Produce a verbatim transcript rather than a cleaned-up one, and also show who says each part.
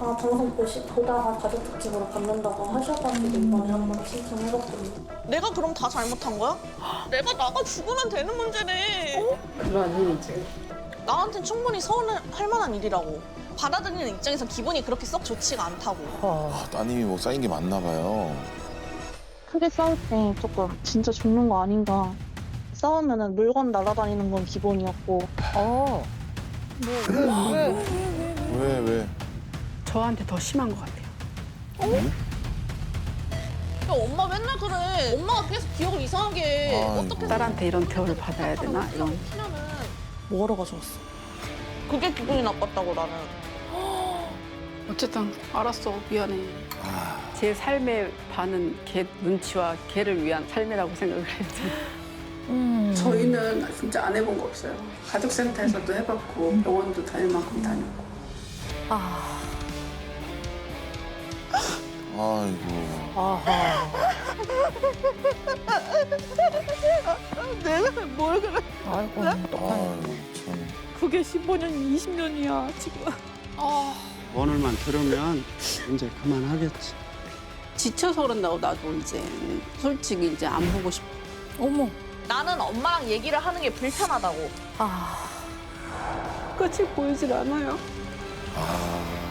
Speaker 1: 아, 방송 보시, 보다가 가족 특집으로 받는다고 하셔가지고 이번에 한번 신청해봤거든요.
Speaker 2: 내가 그럼 다 잘못한 거야? 내가 나가 죽으면 되는 문제네. 어?
Speaker 3: 그런 이제
Speaker 2: 나한텐 충분히 서운할 만한 일이라고. 받아들이는 입장에서 기분이 그렇게 썩 좋지가 않다고.
Speaker 4: 아, 따님이 뭐 쌓인 게 많나 봐요.
Speaker 1: 크게 싸울 때 조금 진짜 죽는 거 아닌가. 싸우면은 물건 날아다니는 건 기본이었고.
Speaker 3: 어.
Speaker 4: 왜, 왜?
Speaker 3: 저한테 더 심한 것 같아요.
Speaker 2: 야, 엄마 맨날 그래. 엄마가 계속 기억을 이상하게 해.
Speaker 4: 아이고.
Speaker 2: 어떻게
Speaker 3: 딸한테 이런 대우를 받아야 되나 이런.
Speaker 2: 피냐면
Speaker 1: 뭐하러 가져왔어?
Speaker 2: 그게 기분이 나빴다고 나는.
Speaker 3: 어쨌든 알았어 미안해.
Speaker 4: 아,
Speaker 3: 제 삶의 반은 걔 눈치와 걔를 위한 삶이라고 생각을 했지.
Speaker 5: 저희는 진짜 안 해본 거 없어요. 가족센터에서도 해봤고 병원도 다닐 만큼 다녔고.
Speaker 4: 아이고.
Speaker 3: 아하.
Speaker 2: 내가 뭘 그래.
Speaker 6: 아이고,
Speaker 4: 아이고, 참.
Speaker 2: 그게 십오 년, 이십 년이야, 지금. 아.
Speaker 7: 오늘만 들으면 이제 그만하겠지.
Speaker 3: 지쳐서 그런다고 나도 이제 솔직히 이제 안 보고 싶어.
Speaker 6: 어머.
Speaker 2: 나는 엄마랑 얘기를 하는 게 불편하다고.
Speaker 6: 아.
Speaker 3: 끝이 보이질 않아요.
Speaker 4: 아.